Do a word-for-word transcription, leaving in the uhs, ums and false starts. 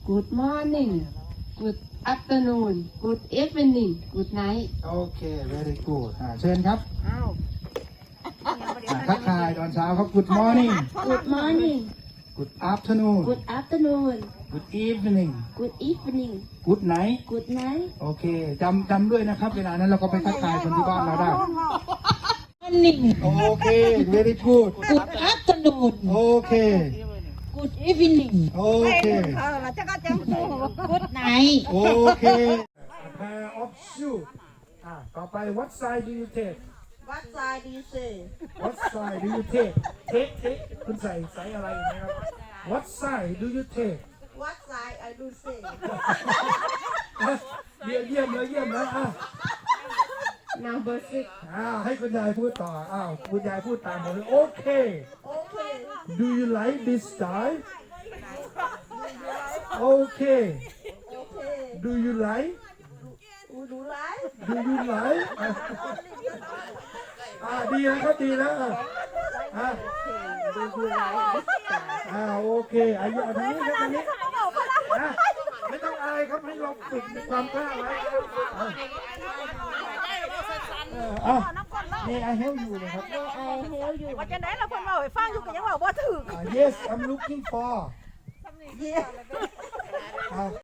Good morning Good afternoon Good evening Good night โอเค very good อ่าเชิญครับอ้าวอ่าทักทายตอนเช้าครับ good morning Good morning good afternoon Good afternoon good evening Good evening good night Good night โอเคจำจำด้วยนะครับ เวลานั้นเราก็ไปทักทายคนที่บ้านเราได้ Morning, โอเค very good good afternoon, โอเค good evening, โอเคเออแล้วจะก็จะพูด good night. โอเค A pair of shoes อ่าต่อไป what size do you take วัดใจดีสิ what size do you take take take คุณใส่ไซส์อะไรอย่างเงี้ยครับ what size do you take วัดใจไอ้ดูสิอ่ะเยี่ยมเยี่ยมเลยเยี่ยมแล้วอ่ะ Number six อ้าวให้คุณยายพูดต่ออ้าวคุณยายพูดตามผมเลยโอเคโอเค Do you like this style โอเคโอเค Do you like อูดูไร Do you like อ่ะอ่าดีนะครับดีแล้วอ่ะอ่ะดูดูไรอ่าโอเคอายุทางนี้ครับทางนี้อ่ะไม่ต้องอายครับให้เราฝึกในความกล้าไว้อ่ะเอออ่ะนี่ I help you นะครับ I help you ว่าจะไหนเราคนมาไปฟังอยู่กันยังว่าบ่ถึกอ่า Yes I'm looking for เยี่ยอ่ะ